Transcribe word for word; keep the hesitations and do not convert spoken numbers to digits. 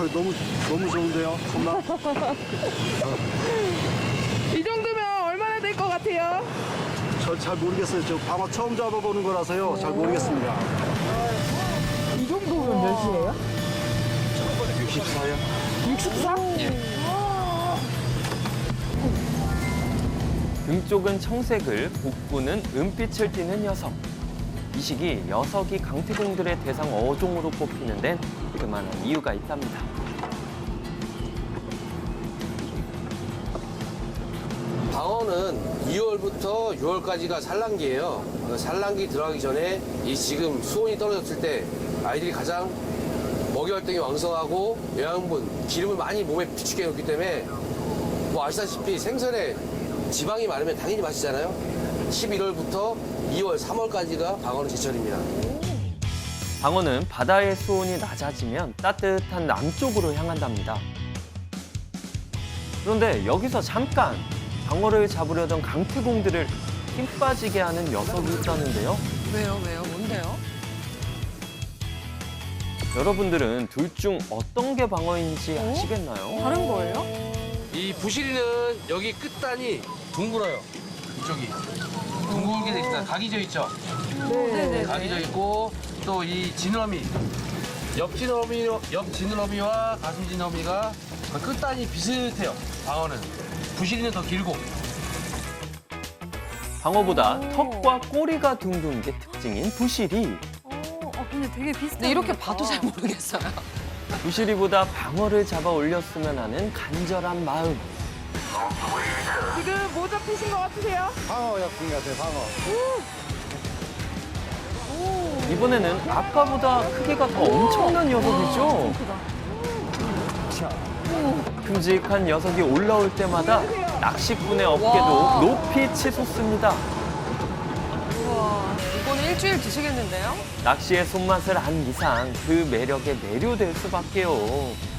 너무 너무 좋은데요, 정말. 이 정도면 얼마나 될 것 같아요? 저 잘 모르겠어요. 저 방어 처음 잡아보는 거라서요. 잘 모르겠습니다. 이 정도면 몇이에요? 육십사요. 육십사? 등 쪽은 청색을, 복부는 은빛을 띠는 녀석. 이 시기 녀석이 강태공들의 대상 어종으로 꼽히는 데는 그만한 이유가 있답니다. 방어는 이월부터 유월까지가 산란기예요. 그 산란기 들어가기 전에 이 지금 수온이 떨어졌을 때 아이들이 가장 먹이 활동이 왕성하고 영양분, 기름을 많이 몸에 비축해 놓기 때문에 뭐 아시다시피 생선에 지방이 많으면 당연히 맛있잖아요. 십일월부터 이월, 삼월까지가 방어는 제철입니다. 방어는 바다의 수온이 낮아지면 따뜻한 남쪽으로 향한답니다. 그런데 여기서 잠깐 방어를 잡으려던 강태공들을 힘 빠지게 하는 녀석이 있다는데요. 왜요, 왜요? 뭔데요? 여러분들은 둘 중 어떤 게 방어인지 아시겠나요? 다른 거예요? 이 부시리는 여기 끝단이 둥글어요. 이쪽이. 둥글게 돼 있어요. 각이 져 있죠? 네네. 각이 져 있고 또 이 지느러미. 옆 지느러미, 옆 지느러미와 가슴 지느러미가 끝단이 비슷해요. 방어는. 부시리는 더 길고. 방어보다 턱과 꼬리가 둥근 게 특징인 부시리. 어, 아, 근데 되게 비슷해. 이렇게 봐도 잘 모르겠어요. 부시리보다 방어를 잡아 올렸으면 하는 간절한 마음. 지금 뭐 잡히신 것 같으세요? 방어 약품 같아요, 방어. 이번에는 아까보다 크기가 더 엄청난 녀석이죠? 큼직한 녀석이 올라올 때마다 낚시꾼의 어깨도 높이 치솟습니다. 우와, 이거는 일주일 드시겠는데요? 낚시의 손맛을 안 이상 그 매력에 매료될 수밖에요.